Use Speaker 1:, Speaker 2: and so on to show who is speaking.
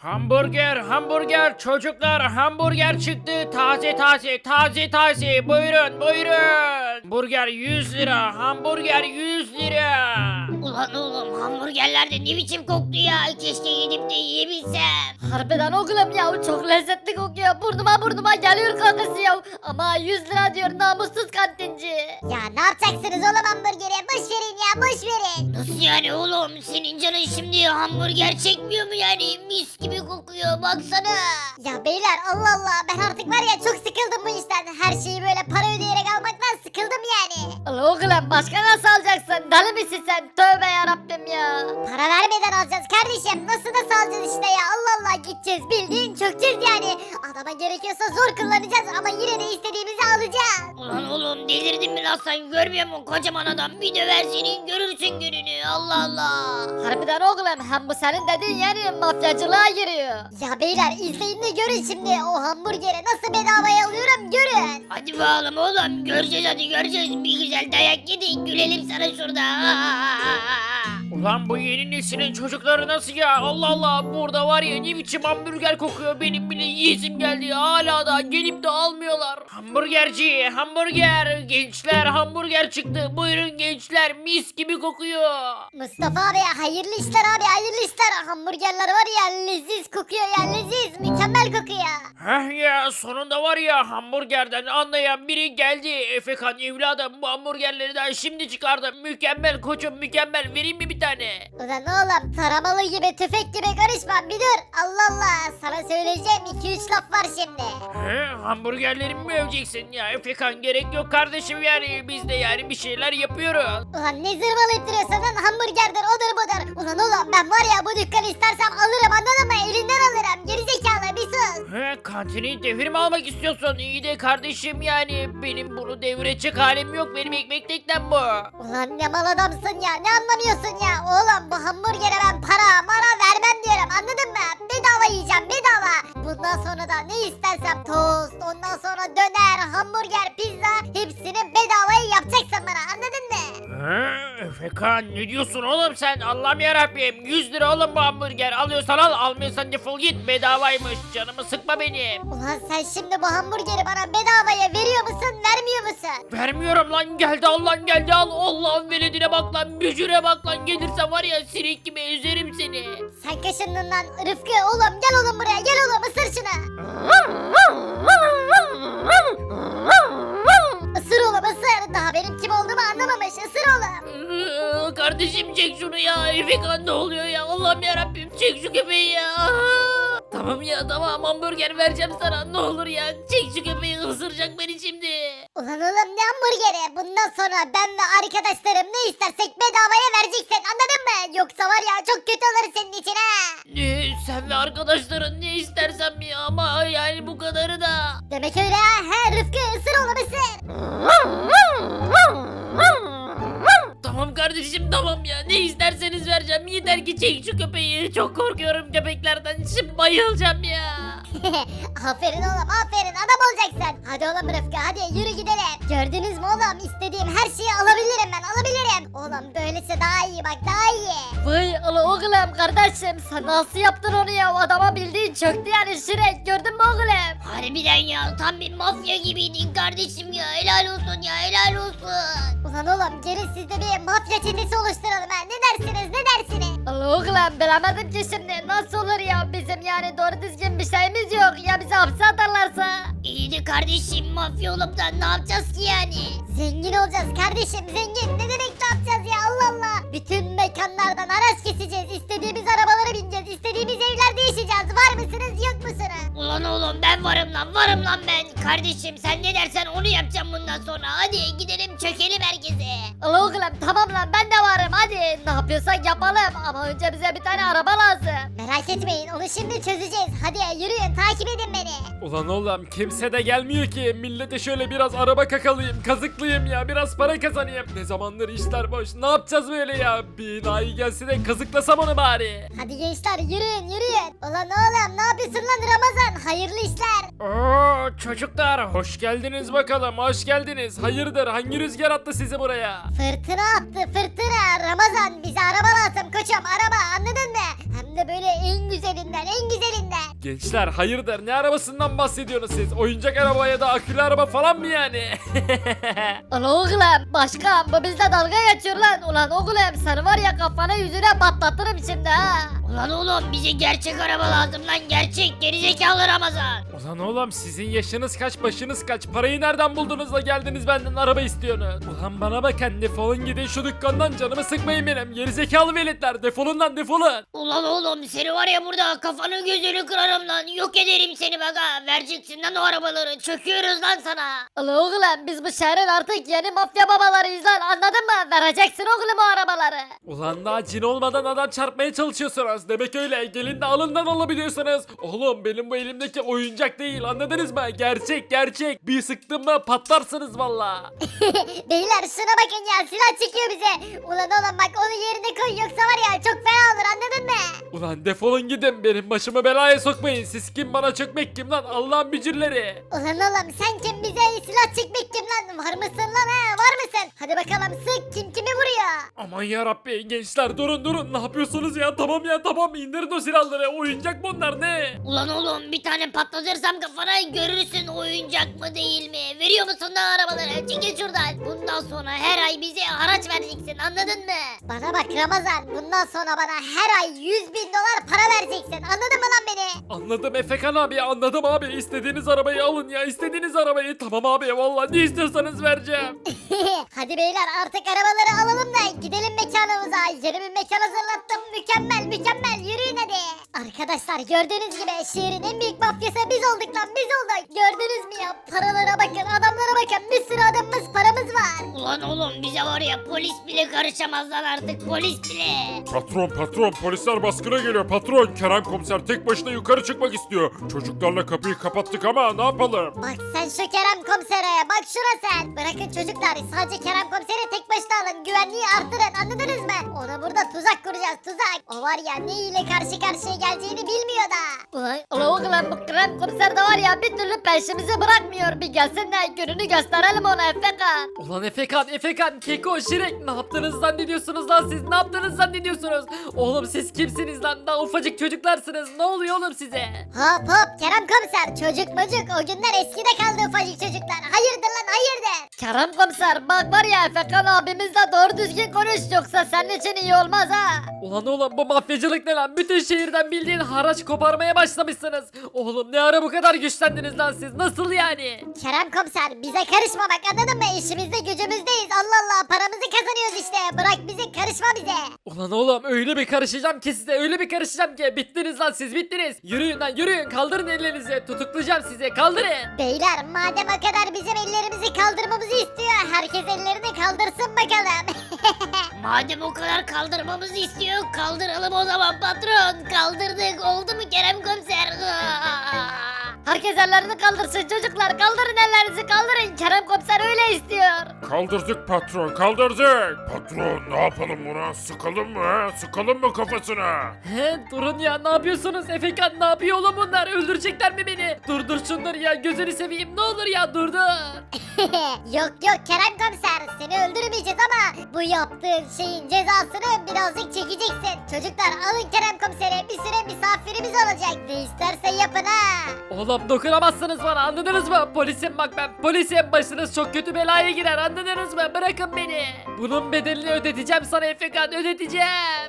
Speaker 1: Hamburger, hamburger, çocuklar hamburger çıktı. Taze taze, taze taze. Buyurun, buyurun. Burger 100 lira, hamburger 100 lira.
Speaker 2: Ulan oğlum hamburgerlerde ne biçim koktu ya. Keşke gidip de yiyebilsem.
Speaker 3: Harbiden oğlum ya çok lezzetli kokuyor. Burnuma geliyor kokusu ya. Ama 100 lira diyor namussuz kantinci.
Speaker 4: Ya ne yapacaksınız oğlum hamburgeri? Boş verin ya boş verin.
Speaker 2: Nasıl yani oğlum? Senin canın şimdi hamburger çekmiyor mu yani? Mis gibi kokuyor baksana.
Speaker 4: Ya beyler Allah Allah ben artık var ya çok sıkıldım bu işten. Her şeyi böyle para ödeyerek almaktan sıkıldım yani.
Speaker 3: Allah oğlum başka nasıl alacaksın? Deli misin sen? Tövbe yarabbim ya.
Speaker 4: Para vermeden alacağız kardeşim. Nasıl alacağız işte ya Allah Allah gideceğiz bildiğin çökeceğiz yani. Adama gerekiyorsa zor kullanacağız ama yine de istediğimizi alacağız.
Speaker 2: Ulan oğlum delirdin mi lan sen? Görmüyor musun kocaman adam? Bir döver senin görürsün gününü. Allah Allah.
Speaker 3: Harbiden oğlum hem bu senin dediğin yani mafyacılığa giriyor.
Speaker 4: Ya beyler izleyin de görün şimdi o hamburgeri nasıl bedavaya alıyorum görün.
Speaker 2: Hadi bakalım oğlum. Göreceğiz hadi göreceğiz. Bir güzel dayak yedik. Gülelim sana şurada.
Speaker 1: Ulan bu yeni neslin çocukları nasıl ya? Allah Allah, burada var ya ne biçim hamburger kokuyor. Benim bile yiyesim geldi. Hala da gelip de almıyorlar. Hamburgerci, hamburger. Gençler hamburger çıktı. Buyurun gençler, mis gibi kokuyor.
Speaker 4: Mustafa abi hayırlı işler abi hayırlı işler. Hamburgerler var ya leziz kokuyor ya leziz mükemmel kokuyor.
Speaker 1: Heh ya, sonunda var ya hamburgerden anlayan biri geldi. Efekan evladım, bu hamburgerleri daha şimdi çıkardım. Mükemmel koçum, mükemmel. Vereyim mi bir tane?
Speaker 4: Ulan oğlum taramalı gibi tüfek gibi karışma bir dur. Allah Allah sana söyleyeceğim 2-3 laf var şimdi.
Speaker 1: He, hamburgerlerimi mi öveceksin ya? Efekan gerek yok kardeşim yani. Biz de yani bir şeyler yapıyoruz.
Speaker 4: Ulan ne zırvalayıp duruyorsun lan hamburgerdir odur budur. Ulan oğlum ben var ya bu dükkanı istersem alırım anladın mı elinden alırım gerizekalı bir sus.
Speaker 1: He, kantini devrim almak istiyorsun. İyi de kardeşim yani. Benim bunu devirecek halim yok. Benim ekmek teknem bu.
Speaker 4: Ulan ne mal adamsın ya ne anlamıyorsun ya. Oğlum bu hamburgere ben para vermem diyorum anladın mı? Bedava yiyeceğim bedava. Bundan sonra da ne istersem tost ondan sonra döner hamburger pizza hepsini bedavaya yapacaksın bana anladın mı?
Speaker 1: He, Efekan ne diyorsun oğlum sen? Allah'ım yarabbim. 100 lira oğlum bu hamburger. Alıyorsan al, almıyorsan defol git. Bedavaymış. Canımı sıkma benim.
Speaker 4: Ulan sen şimdi bu hamburgeri bana bedavaya veriyor musun vermiyor musun?
Speaker 1: Vermiyorum lan, geldi al lan, geldi al. Allah'ın veledine bak lan, bücüre bak lan. Gelirse var ya sinek gibi ezerim seni.
Speaker 4: Sen kaşındın lan Rıfkı oğlum gel oğlum buraya gel oğlum ısır şunu. Isır oğlum ısır daha benim kim olduğumu anlamamış ısır oğlum.
Speaker 1: Kardeşim çek şunu ya. Efekan ne oluyor ya? Allah'ım yarabbim, çek şu köpeği ya. Tamam ya, tamam, hamburger vereceğim sana. Ne olur ya, çek şu köpeği, ısıracak beni şimdi.
Speaker 4: Ulan oğlum ne hamburgeri bundan sonra ben ve arkadaşlarım ne istersek bedavaya vereceksin anladın mı? Yoksa var ya çok kötü olur senin için ha.
Speaker 1: Ne, sen ve arkadaşların ne istersem ya, ama yani bu kadarı da.
Speaker 4: Demek öyle ha he Rıfkı ısır oğlum ısır.
Speaker 1: Tamam kardeşim, tamam ya, ne isterseniz vereceğim. Yeter ki çek şu köpeği. Çok korkuyorum köpeklerden, şimdi bayılacağım ya.
Speaker 4: Aferin oğlum aferin adam olacaksın. Hadi oğlum Rıfkı hadi yürü gidelim. Gördünüz mü oğlum istediğim her şeyi alabilirim ben alabilirim. Oğlum böylesi daha iyi bak daha iyi.
Speaker 3: Vay Allah oğlum kardeşim sen nasıl yaptın onu ya? O adama bildiğin çöktü yani Şirek gördün mü oğlum?
Speaker 2: Harbiden ya tam bir mafya gibiydin kardeşim ya. Helal olsun ya helal olsun.
Speaker 4: Ulan oğlum gelin siz de bir mafya çetesi oluşturalım ha ne dersiniz ne dersiniz?
Speaker 3: Allah oğlum bilemedim ki şimdi nasıl olur ya bizim yani doğru düzgün bir şeyimiz yok ya bizi hapse atarlarsa.
Speaker 2: İyi de kardeşim mafya olup da ne yapacağız ki yani?
Speaker 4: Zengin olacağız kardeşim zengin. Ne demek ne yapacağız ya Allah Allah. Bütün mekanlardan araç keseceğiz. İstediğimiz arabalara bineceğiz. İstediğimiz evlerde yaşayacağız. Var mısınız yok musunuz?
Speaker 2: Ulan oğlum ben varım lan ben. Kardeşim sen ne dersen onu yapacağım bundan sonra. Hadi gidelim çökelim herkese.
Speaker 3: Allah oğlum tamam lan ben de varım hadi ne yapıyorsak yapalım ama önce bize bir tane araba lazım.
Speaker 4: Merak etmeyin onu şimdi çözeceğiz. Hadi yürüyün takip edin beni.
Speaker 5: Ulan oğlum kimse de gelmiyor ki. Millete şöyle biraz araba kakalayayım, kazıklayayım ya. Biraz para kazanayım. Ne zamandır işler boş. Ne yapacağız böyle ya? Bir nayi gelse de kazıklasam onu bari.
Speaker 4: Hadi gençler yürüyün yürüyün. Ulan oğlum ne yapıyorsun lan Ramazan? Hayırlı işler.
Speaker 5: Oo çocuklar hoş geldiniz bakalım. Hoş geldiniz. Hayırdır hangi rüzgar attı sizi buraya?
Speaker 4: Fırtına attı fırtına. Ramazan bize araba lazım koçum araba anladın mı? Hem de böyle en güzelinden
Speaker 5: Gençler hayırdır, ne arabasından bahsediyorsunuz siz? Oyuncak araba ya da akülü araba falan mı yani?
Speaker 3: Ulan oğlum başkan bu bizle dalga geçiyor lan. Ulan oğlum seni var ya kafana yüzüne patlatırım şimdi ha.
Speaker 2: Ulan oğlum bize gerçek araba lazım lan, gerçek gerizekalı Ramazan.
Speaker 5: Ulan oğlum sizin yaşınız kaç, başınız kaç? Parayı nereden buldunuz da geldiniz benden araba istiyorsunuz? Ulan bana bakın, defolun gidin şu dükkandan, canımı sıkmayın benim. Gerizekalı veletler, defolun lan defolun.
Speaker 2: Ulan oğlum seni var ya burada kafanı gözünü kırarım lan, yok ederim seni bak ha. Vereceksin lan o arabaları, çöküyoruz lan sana.
Speaker 3: Ulan oğlum biz bu şehrin artık yeni mafya babalarıyız lan anladın mı? Vereceksin oğlum o arabaları.
Speaker 5: Ulan daha cin olmadan adam çarpmaya çalışıyorsunuz. Demek öyle, gelin de alından alabiliyorsunuz. Oğlum benim bu elimdeki oyuncak değil, anladınız mı? Gerçek gerçek. Bir sıktım mı patlarsınız valla.
Speaker 4: Beyler şuna bakın ya, silah çıkıyor bize. Ulan oğlum bak, onu yerine koy yoksa var ya çok fena olur, anladın mı?
Speaker 5: Ulan defolun gidin, benim başımı belaya sokmayın. Siz kim, bana çökmek kim lan? Allah'ın bücürleri.
Speaker 4: Ulan oğlum sen kim, bize silah çekmek kim lan? Var mısın lan ha, var mısın? Hadi bakalım sık, kim kimi vuruyor?
Speaker 5: Aman yarabbi, gençler durun, ne yapıyorsunuz ya? Tamam ya tamam, indirin o silahları. Oyuncak bunlar, ne?
Speaker 2: Ulan oğlum bir tane patlatırsam kafana görürsün oyuncak mı değil mi? Veriyor musun lan arabaları? Çekil şuradan. Bundan sonra her ay bize haraç vereceksin, anladın mı?
Speaker 4: Bana bak Ramazan, bundan sonra bana her ay 100.000 dolar para vereceksin, anladın mı lan beni?
Speaker 5: Anladım Efekan abi, anladım abi. İstediğiniz arabayı alın ya, istediğiniz arabayı. Tamam abi, vallahi ne istiyorsanız vereceğim.
Speaker 4: Hadi beyler artık arabaları alalım da gidelim mekanımıza. Yeni bir mekan hazırlattım, mükemmel, yürüyün hadi. Arkadaşlar gördüğünüz gibi şehrin en büyük mafyası biz olduk lan, biz olduk. Gördünüz mü ya, paralara bakın, adamlara bakın, bir sürü adamımız, paramız var.
Speaker 2: Ulan oğlum bize var ya polis bile karışamaz lan artık, polis bile.
Speaker 6: Patron polisler baskına geliyor patron. Kerem komiser tek başına yukarı çıkmak istiyor. Çocuklarla kapıyı kapattık ama ne yapalım?
Speaker 4: Bak sen şu Kerem komisere, bak şuna sen. Bırakın çocuklar, sadece Kerem komiseri tek başına alın, güvenliği arttırın, anladınız mı? Ona burada tuzak kuracağız, tuzak. O var ya ne ile karşı karşıya geleceğini bilmiyor da.
Speaker 3: Ulan oğlum bu krem komiser de var ya bir türlü peşimizi bırakmıyor. Bir gelsin de gününü gösterelim ona Efekan.
Speaker 5: Ulan Efekan, Keko, Şirek, ne yaptınız zannediyorsunuz lan siz? Ne yaptınız zannediyorsunuz? Oğlum siz kimsiniz lan? Daha ufacık çocuklarsınız. Ne oluyor oğlum size?
Speaker 4: Hop Kerem komiser, çocuk o günler eskide kaldı ufacık çocuklar. Hayırdır lan, hayırdır?
Speaker 3: Kerem komiser bak var ya Efekan abimizle doğru düzgün konuş yoksa senin için iyi olmaz ha.
Speaker 5: Ulan oğlum bu mafyacılık ne lan? Bütün şehirden bildiğin haraç koparmaya başlamışsınız. Oğlum ne ara bu kadar güçlendiniz lan siz? Nasıl yani?
Speaker 4: Kerem komiser bize karışma bak, anladın mı? İşimizde gücümüzdeyiz, Allah Allah, paramızı kazanıyoruz işte. Bırak bizi, karışma bize.
Speaker 5: Ulan oğlum öyle bir karışacağım ki size, öyle bir karışacağım ki bittiniz lan siz, bittiniz. Yürüyün lan yürüyün, kaldırın ellerinizi, tutuklayacağım sizi, kaldırın.
Speaker 4: Beyler madem o kadar bizim ellerimizi kaldırmamızı istiyor, herkes ellerini kaldırsın bakalım.
Speaker 2: Madem o kadar kaldırmamızı istiyor, kaldıralım o zaman patron. Kaldırdık, oldu mu Kerem komiser?
Speaker 3: Herkes ellerini kaldırsın çocuklar kaldırın ellerinizi kaldırın Kerem komiser öyle istiyor.
Speaker 6: Kaldırdık patron kaldırdık. Patron ne yapalım buna, sıkalım mı ha? Sıkalım mı kafasına?
Speaker 5: He durun ya, ne yapıyorsunuz? Efekan ne yapıyor oğlum bunlar? Öldürecekler mi beni? Durdur şunları ya, gözünü seveyim, ne olur ya durdur.
Speaker 4: Yok Kerem komiser, seni öldürmeyeceğiz ama bu yaptığın şeyin cezasını birazcık çekeceksin. Çocuklar alın Kerem komiseri, bir süre misafirimiz olacak. Ne isterse yapın ha.
Speaker 5: Oğlum dokunamazsınız bana, anladınız mı? Polisim bak, ben polisim, başınız çok kötü belaya girer, anladınız mı? Bırakın beni. Bunun bedelini ödeteceğim sana Efekan, ödeteceğim.